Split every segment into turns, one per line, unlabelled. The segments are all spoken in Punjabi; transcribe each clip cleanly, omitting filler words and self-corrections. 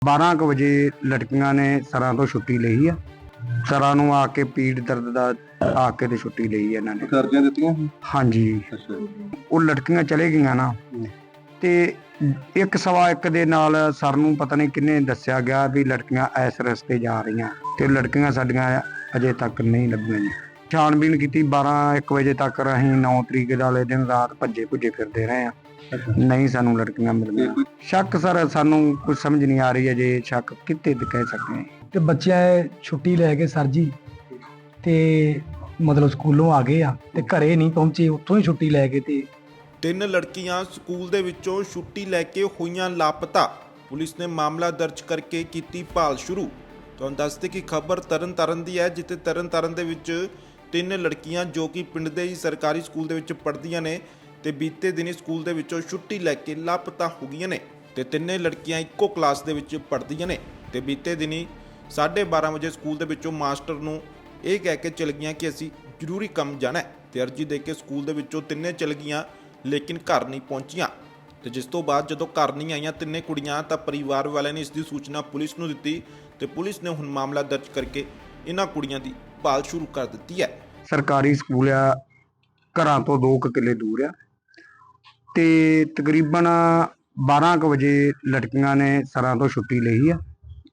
12 ਕੁ ਵਜੇ ਲੜਕੀਆਂ ਨੇ ਸਰਾਂ ਤੋਂ ਛੁੱਟੀ ਲਈ ਆ। ਸਰਾਂ ਨੂੰ ਆ ਕੇ ਪੀੜ ਦਰਦ ਦਾ ਆ ਕੇ ਤੇ ਛੁੱਟੀ ਲਈ ਇਹਨਾਂ ਨੇ।
ਕਰਜ਼ੀਆਂ ਦਿੱਤੀਆਂ ਸੀ?
ਹਾਂਜੀ।
ਅੱਛਾ।
ਉਹ ਲੜਕੀਆਂ ਚਲੇ ਗਈਆਂ ਨਾ ਤੇ 1:15 ਦੇ ਨਾਲ ਸਰ ਨੂੰ ਪਤਾ ਨਹੀਂ ਕਿੰਨੇ ਦੱਸਿਆ ਗਿਆ ਵੀ ਲੜਕੀਆਂ ਇਸ ਰਸਤੇ ਜਾ ਰਹੀਆਂ ਤੇ ਲੜਕੀਆਂ ਸਾਡੀਆਂ ਅਜੇ ਤੱਕ ਨਹੀਂ ਲੱਭੀਆਂ ਜੀ। ਛਾਣਬੀਣ ਕੀਤੀ 12-1 ਵਜੇ ਤੱਕ। ਅਸੀਂ 9 ਤਰੀਕ ਵਾਲੇ ਦਿਨ ਰਾਤ ਭੱਜੇ ਭੁੱਜੇ ਫਿਰਦੇ ਰਹੇ ਆ, ਨਹੀਂ ਸਾਨੂੰ ਲੜਕੀਆਂ ਮਿਲੀਆਂ। ਸ਼ੱਕ ਸਰ ਸਾਨੂੰ ਕੁਝ ਸਮਝ ਨਹੀਂ ਆ ਰਹੀ ਹੈ ਜੇ ਸ਼ੱਕ ਕਿਤੇ ਤੇ ਕਹਿ ਸਕਦੇ ਹਾਂ।
ਤੇ ਬੱਚਿਆਂ ਛੁੱਟੀ ਲੈ ਕੇ ਸਰ ਜੀ ਤੇ ਮਤਲਬ ਸਕੂਲੋਂ ਆ ਗਏ ਆ ਤੇ ਘਰੇ ਨਹੀਂ ਪਹੁੰਚੇ, ਉੱਥੋਂ ਹੀ ਛੁੱਟੀ ਲੈ ਕੇ ਤੇ
3 ਲੜਕੀਆਂ ਸਕੂਲ ਦੇ ਵਿੱਚੋਂ ਛੁੱਟੀ ਲੈ ਕੇ ਹੋਈਆਂ ਲਾਪਤਾ। ਪੁਲਿਸ ਨੇ ਮਾਮਲਾ ਦਰਜ ਕਰਕੇ ਕੀਤੀ ਭਾਲ ਸ਼ੁਰੂ। ਤੁਹਾਨੂੰ ਦੱਸਦੇ ਕਿ ਖਬਰ ਤਰਨਤਾਰਨ ਦੀ ਹੈ, ਜਿੱਥੇ ਤਰਨਤਾਰਨ ਦੇ ਵਿੱਚ 3 ਲੜਕੀਆਂ ਜੋ ਕਿ ਪਿੰਡ ਦੇ ਹੀ ਸਰਕਾਰੀ ਸਕੂਲ ਦੇ ਵਿੱਚ ਪੜ੍ਹਦੀਆਂ ਨੇ ਤੇ ਬੀਤੇ ਦਿਨੀ ਸਕੂਲ ਦੇ ਵਿੱਚੋਂ ਛੁੱਟੀ ਲੈ ਕੇ ਲਾਪਤਾ ਹੋ ਗਈਆਂ ਨੇ ਤੇ 3 ਲੜਕੀਆਂ ਇੱਕੋ ਕਲਾਸ ਦੇ ਵਿੱਚ ਪੜ੍ਹਦੀਆਂ ਨੇ ਤੇ ਬੀਤੇ ਦਿਨੀ 12:30 ਵਜੇ ਸਕੂਲ ਦੇ ਵਿੱਚੋਂ ਮਾਸਟਰ ਨੂੰ ਇਹ ਕਹਿ ਕੇ ਚਲ ਗਈਆਂ ਕਿ ਅਸੀਂ ਜ਼ਰੂਰੀ ਕੰਮ ਜਾਣਾ ਹੈ ਤੇ ਅਰਜੀ ਦੇ ਕੇ ਸਕੂਲ ਦੇ ਵਿੱਚੋਂ 3 ਚਲ ਗਈਆਂ, ਲੇਕਿਨ ਘਰ ਨਹੀਂ ਪਹੁੰਚੀਆਂ। ਤੇ ਜਿਸ ਤੋਂ ਬਾਅਦ ਜਦੋਂ ਘਰ ਨਹੀਂ ਆਈਆਂ 3 ਕੁੜੀਆਂ ਤਾਂ ਪਰਿਵਾਰ ਵਾਲਿਆਂ ਨੇ ਇਸ ਦੀ ਸੂਚਨਾ ਪੁਲਿਸ ਨੂੰ ਦਿੱਤੀ ਤੇ ਪੁਲਿਸ ਨੇ ਹੁਣ ਮਾਮਲਾ ਦਰਜ ਕਰਕੇ ਇਹਨਾਂ ਕੁੜੀਆਂ ਦੀ ਭਾਲ ਸ਼ੁਰੂ ਕਰ ਦਿੱਤੀ ਹੈ।
ਸਰਕਾਰੀ ਸਕੂਲ ਆ, ਘਰਾਂ ਤੋਂ 2 ਕਿੱਲੇ ਦੂਰ ਆ ਤੇ ਤਕਰੀਬਨ 12 ਕੁ ਵਜੇ ਲੜਕੀਆਂ ਨੇ ਸਰਾਂ ਤੋਂ ਛੁੱਟੀ ਲਈ ਆ।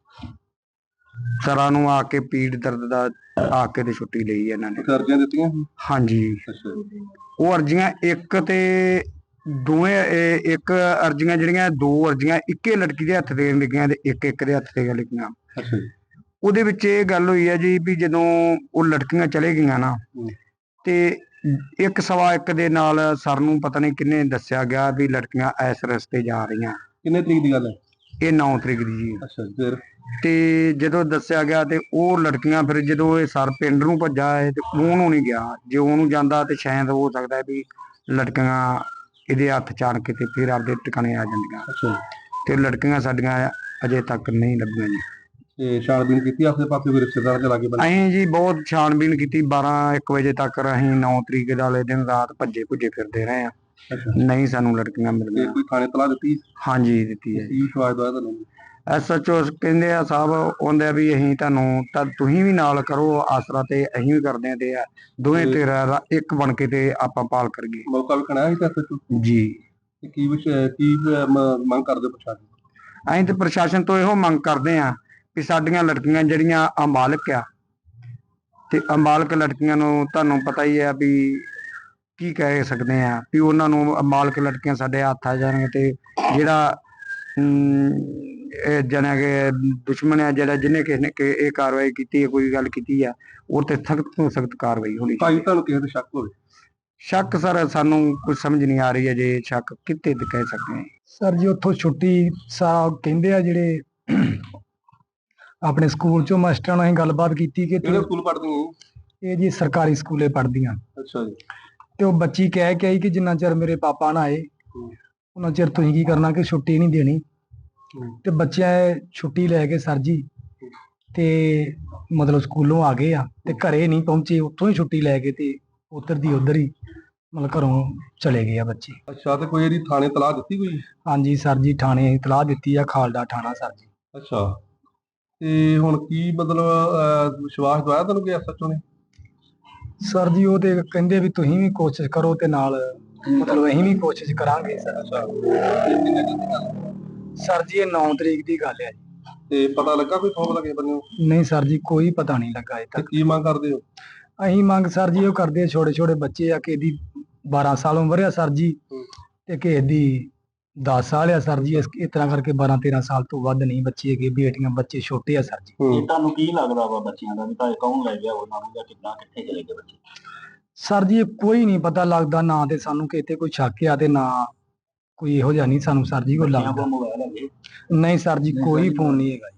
ਸਰਾਂ ਨੂੰ ਆ ਕੇ ਪੀੜ ਦਰਦ ਦਾ ਆ ਕੇ ਤੇ ਛੁੱਟੀ ਲਈ ਇਹਨਾਂ ਨੇ।
ਕਰਜ਼ੀਆਂ ਦਿੱਤੀਆਂ ਸੀ?
ਹਾਂਜੀ।
ਅੱਛਾ।
ਉਹ ਅਰਜ਼ੀਆਂ ਇੱਕ ਅਰਜ਼ੀਆਂ ਜਿਹੜੀਆਂ 2 ਅਰਜ਼ੀਆਂ ਇੱਕੇ ਲੜਕੀ ਦੇ ਹੱਥ ਤੇ ਲਿਖੀਆਂ ਤੇ ਇੱਕ ਦੇ ਹੱਥ ਤੇ ਲਿਖੀਆਂ।
ਅੱਛਾ ਜੀ।
ਉਹਦੇ ਵਿੱਚ ਇਹ ਗੱਲ ਹੋਈ ਹੈ ਜੀ ਵੀ ਜਦੋਂ ਉਹ ਲੜਕੀਆਂ ਚਲੇ ਗਈਆਂ ਨਾ ਤੇ 1:15 ਦੇ ਨਾਲ ਸਰ ਨੂੰ ਪਤਾ ਨਹੀਂ ਕਿੰਨੇ ਦੱਸਿਆ ਗਿਆ ਵੀ ਲੜਕੀਆਂ ਇਸ ਰਸਤੇ ਜਾ ਰਹੀਆਂ।
ਕਿੰਨੇ ਤਰੀਕ ਦੀ ਗੱਲ ਹੈ?
ਇਹ 9 ਤਰੀਕ ਦੀ ਜੀ।
ਅੱਛਾ ਜੀ। ਫਿਰ
ਤੇ ਜਦੋਂ ਦੱਸਿਆ ਗਿਆ ਤੇ ਉਹ ਲੜਕੀਆਂ ਫਿਰ ਜਦੋਂ ਇਹ ਸਰ ਪਿੰਡ ਨੂੰ ਭੱਜਾ ਹੈ ਤੇ ਉਹਨੂੰ ਨਹੀਂ ਗਿਆ। ਜੇ ਉਹਨੂੰ ਜਾਂਦਾ ਤੇ ਸ਼ਾਇਦ ਹੋ ਸਕਦਾ ਵੀ ਲੜਕੀਆਂ ਇਹਦੇ ਹੱਥ ਚਾਣ ਕੇ ਤੇ ਫਿਰ ਆਪਦੇ ਟਿਕਾਣੇ ਆ ਜਾਂਦੀਆਂ।
ਅੱਛਾ।
ਤੇ ਲੜਕੀਆਂ ਸਾਡੀਆਂ ਅਜੇ ਤੱਕ ਨਹੀਂ ਲੱਭੀਆਂ ਜੀ।
ਤੇ ਛਾਣਬੀਣ ਕੀਤੀ ਆਸੇ ਪਾਸੇ ਕੋਈ ਰਿਸ਼ਤੇਦਾਰ ਦੇ ਲਾਗੇ ਬੰਨੇ?
ਅਸੀਂ ਜੀ ਬਹੁਤ ਛਾਣਬੀਣ ਕੀਤੀ 12-1 ਵਜੇ ਤੱਕ। ਅਸੀਂ 9 ਤਰੀਕ ਵਾਲੇ ਦਿਨ ਰਾਤ ਭੱਜੇ ਭੁੱਜੇ ਫਿਰਦੇ ਰਹੇ ਆ, ਨਹੀਂ ਸਾਨੂੰ ਲੜਕੀਆਂ ਮਿਲੀਆਂ।
ਕੋਈ ਥਾਣੇ ਤਲਾਹ ਦਿੱਤੀ?
ਹਾਂਜੀ ਦਿੱਤੀ ਹੈ ਜੀ।
ਕੀ ਵਿਸ਼ਵਾਸ ਦਵਾਇਆ ਤੁਹਾਨੂੰ?
SHO ਕਹਿੰਦੇ ਆ ਸਾਹਿਬ ਆਉਂਦੇ ਆ ਵੀ ਅਸੀਂ ਤੁਹਾਨੂੰ ਤਾਂ ਤੁਸੀਂ ਵੀ ਨਾਲ ਕਰੋ ਆਸਰਾ ਤੇ ਅਸੀਂ ਵੀ ਕਰਦੇ ਆ ਤੇ ਦੋਵੇਂ ਤੇਰਾ ਇੱਕ ਬਣ ਕੇ ਤੇ ਆਪਾਂ ਪਾਲ ਕਰੀਏ।
ਮੌਕਾ ਵੇਖਣਾ ਹੈ SHO
ਜੀ।
ਕੀ ਮੰਗ ਕਰਦੇ ਪ੍ਰਸ਼ਾਸਨ?
ਅਸੀਂ ਤੇ ਪ੍ਰਸ਼ਾਸਨ ਤੋਂ ਇਹੋ ਮੰਗ ਕਰਦੇ ਆ ਕਿ ਸਾਡੀਆਂ ਲੜਕੀਆਂ ਜਿਹੜੀਆਂ ਅਮਾਲਕ ਆ ਤੇ ਅਮਾਲਕ ਲੜਕੀਆਂ ਨੂੰ ਤੁਹਾਨੂੰ ਪਤਾ ਹੀ ਆ ਵੀ ਕੀ ਕਹਿ ਸਕਦੇ ਆ ਵੀ ਉਹਨਾਂ ਨੂੰ ਅਮਾਲਕ ਲੜਕੀਆਂ ਸਾਡੇ ਹੱਥ ਆ ਜਾਣਗੇ ਤੇ ਜਿਹੜਾ ਜਣਾ ਕਿ ਦੁਸ਼ਮਣ ਆ ਜਿਹੜਾ ਜਿਹਨੇ ਕਿਸੇ ਨੇ ਇਹ ਕਾਰਵਾਈ ਕੀਤੀ ਹੈ, ਕੋਈ ਗੱਲ ਕੀਤੀ ਆ, ਉਹ ਤੇ ਸਖਤ ਤੋਂ ਸਖਤ ਕਾਰਵਾਈ ਹੋਣੀ।
ਭਾਈ ਤੁਹਾਨੂੰ ਕਿਸੇ ਤੇ ਸ਼ੱਕ ਹੋਵੇ?
ਸ਼ੱਕ ਸਰ ਸਾਨੂੰ ਕੁਝ ਸਮਝ ਨਹੀਂ ਆ ਰਹੀ ਹੈ ਜੇ ਸ਼ੱਕ ਕਿਤੇ ਤੇ ਕਹਿ ਸਕਦੇ ਹਾਂ।
ਸਰ ਜੀ ਉੱਥੋਂ ਛੁੱਟੀ ਕਹਿੰਦੇ ਆ ਜਿਹੜੇ ਆਪਣੇ ਸਕੂਲ ਚੋਂ ਮਾਸਟਰਾਂ ਨਾਲ ਅਸੀਂ ਗੱਲਬਾਤ ਕੀਤੀ ਕਿ
ਕਿਹੜੇ ਸਕੂਲ ਪੜ੍ਹਦੀਆਂ?
ਇਹ ਜੀ ਸਰਕਾਰੀ ਸਕੂਲੇ ਪੜ੍ਹਦੀਆਂ।
ਅੱਛਾ ਜੀ।
ਤੇ ਉਹ ਬੱਚੀ ਕਹਿ ਕੇ ਆਈ ਕਿ ਜਿੰਨਾ ਚਿਰ ਮੇਰੇ ਪਾਪਾ ਨਾ ਆਏ ਉਹਨਾਂ ਚਿਰ ਤੁਸੀਂ ਕੀ ਕਰਨਾ ਕਿ ਛੁੱਟੀ ਨਹੀਂ ਦੇਣੀ। ਤੇ ਬੱਚਿਆਂ ਛੁੱਟੀ ਲੈ ਕੇ ਸਰ ਜੀ ਤੇ ਮਤਲਬ ਸਕੂਲੋਂ ਆ ਗਏ ਆ ਤੇ ਘਰੇ ਨਹੀਂ ਪਹੁੰਚੇ, ਉੱਥੋਂ ਹੀ ਛੁੱਟੀ ਲੈ ਕੇ ਤੇ ਉੱਧਰ ਦੀ ਉੱਧਰ ਹੀ ਮਤਲਬ ਘਰੋਂ ਚਲੇ ਗਏ ਆ ਬੱਚੇ।
ਅੱਛਾ। ਤੇ ਕੋਈ ਇਹਦੀ ਥਾਣੇ ਤਲਾਹ ਦਿੱਤੀ ਕੋਈ?
ਹਾਂਜੀ ਸਰ ਜੀ, ਥਾਣੇ ਇਤਲਾਹ ਦਿੱਤੀ ਆ, ਖਾਲਡਾ ਥਾਣਾ ਸਰ ਜੀ।
ਅੱਛਾ। ਤੇ ਹੁਣ ਕੀ ਮਤਲਬ ਵਿਸ਼ਵਾਸ ਦਵਾਇਆ ਤੁਹਾਨੂੰ ਕਿ SHO ਨੇ?
ਸਰ ਜੀ ਉਹ ਤੇ ਕਹਿੰਦੇ ਵੀ ਤੁਸੀਂ ਵੀ ਕੋਸ਼ਿਸ਼ ਕਰੋ ਤੇ ਨਾਲ ਮਤਲਬ ਅਸੀਂ ਵੀ ਕੋਸ਼ਿਸ਼ ਕਰਾਂਗੇ ਸਰ। ਸਰ ਜੀ ਇਹ 9 ਤਰੀਕ ਦੀ ਗੱਲ ਹੈ ਜੀ।
ਤੇ ਪਤਾ ਲੱਗਾ ਕੋਈ ਫੋਨ ਲੱਗੇ ਬੰਨਿਓ?
ਨਹੀਂ ਸਰ ਜੀ, ਕੋਈ ਪਤਾ ਨਹੀਂ ਲੱਗਾ ਅਜੇ
ਤੇ
ਤੱਕ।
ਕੀ ਮੰਗ ਕਰਦੇ ਹੋ?
ਅਸੀਂ ਮੰਗ ਸਰ ਜੀ ਉਹ ਕਰਦੇ ਆ, ਛੋਟੇ ਛੋਟੇ ਬੱਚੇ ਆ, ਕਿਸੇ ਦੀ 12 ਸਾਲ ਉਮਰ ਆ ਸਰ ਜੀ ਤੇ ਕਿਸੇ ਦੀ 10 ਸਾਲ ਆ ਸਰ ਜੀ। ਇਸ ਤਰ੍ਹਾਂ ਕਰਕੇ 12-13 ਸਾਲ ਤੋਂ ਵੱਧ ਨਹੀਂ ਬੱਚੇ ਹੈਗੇ, ਬੇਟੀਆਂ ਬੱਚੇ ਛੋਟੇ ਆ ਸਰ ਜੀ।
ਤੁਹਾਨੂੰ ਕੀ ਲੱਗਦਾ ਵਾ ਬੱਚਿਆਂ ਦਾ ਵੀ ਭਾਵੇਂ ਕੌਣ ਲੈ ਗਿਆ ਉਹਨਾਂ ਨੂੰ ਜਾਂ ਕਿੱਦਾਂ ਕਿੱਥੇ ਚਲੇ ਗਏ ਬੱਚੇ?
ਸਰ ਜੀ ਇਹ ਕੋਈ ਨਹੀਂ ਪਤਾ ਲੱਗਦਾ, ਨਾ ਤੇ ਸਾਨੂੰ ਕਿਤੇ ਕੋਈ ਸ਼ੱਕ ਆ ਤੇ ਨਾ ਕੋਈ ਇਹੋ ਜਿਹਾ ਨਹੀਂ ਸਾਨੂੰ ਸਰ ਜੀ ਕੋਈ ਲੱਗਦਾ।
ਮੋਬਾਈਲ ਹੈਗੇ?
ਨਹੀਂ ਸਰ ਜੀ, ਕੋਈ ਫੋਨ ਨਹੀਂ ਹੈਗਾ।